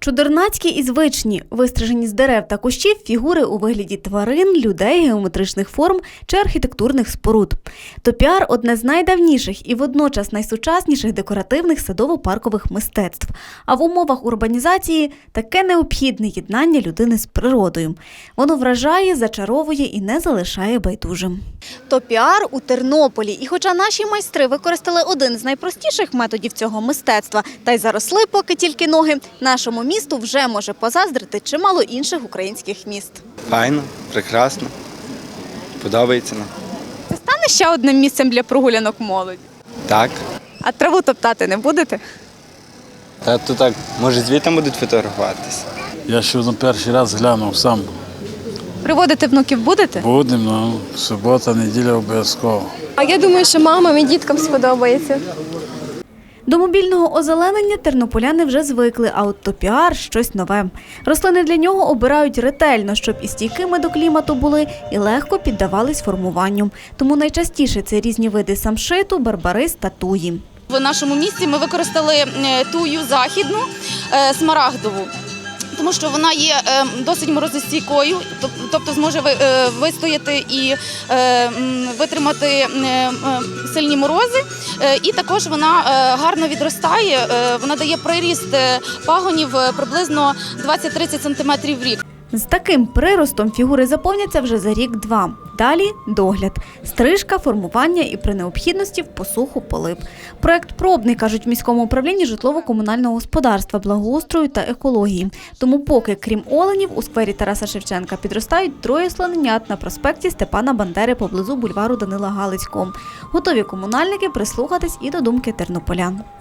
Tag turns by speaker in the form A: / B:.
A: Чудернацькі і звичні, вистрижені з дерев та кущів фігури у вигляді тварин, людей, геометричних форм чи архітектурних споруд. Топіар – одне з найдавніших і водночас найсучасніших декоративних садово-паркових мистецтв. А в умовах урбанізації – таке необхідне єднання людини з природою. Воно вражає, зачаровує і не залишає байдужим. Топіар у Тернополі. І хоча наші майстри використали один з найпростіших методів цього мистецтва та й заросли поки тільки ноги, нашому місту вже може позаздрити чимало інших українських міст.
B: Файно, прекрасно, подобається нам.
A: Це стане ще одним місцем для прогулянок молоді?
B: Так.
A: А траву топтати не будете?
B: Та то так, може звідти будуть фотографуватися?
C: Я ще на перший раз глянув сам.
A: Приводити внуків будете?
C: Будемо, субота, неділя обов'язково.
D: А я думаю, що мамам і діткам сподобається.
A: До мобільного озеленення тернополяни вже звикли, а от топіар – щось нове. Рослини для нього обирають ретельно, щоб і стійкими до клімату були, і легко піддавались формуванню. Тому найчастіше це різні види самшиту, барбарис та туї.
E: В нашому місті ми використали тую західну, смарагдову, тому що вона є досить морозостійкою, тобто зможе вистояти і витримати сильні морози. І також вона гарно відростає, вона дає приріст пагонів приблизно 20-30 см в рік.
A: З таким приростом фігури заповняться вже за рік-два. Далі – догляд. Стрижка, формування і при необхідності в посуху полив. Проект пробний, кажуть в міському управлінні житлово-комунального господарства, благоустрою та екології. Тому поки, крім оленів, у сквері Тараса Шевченка підростають 3 слоненят на проспекті Степана Бандери поблизу бульвару Данила Галицького. Готові комунальники прислухатись і до думки тернополян.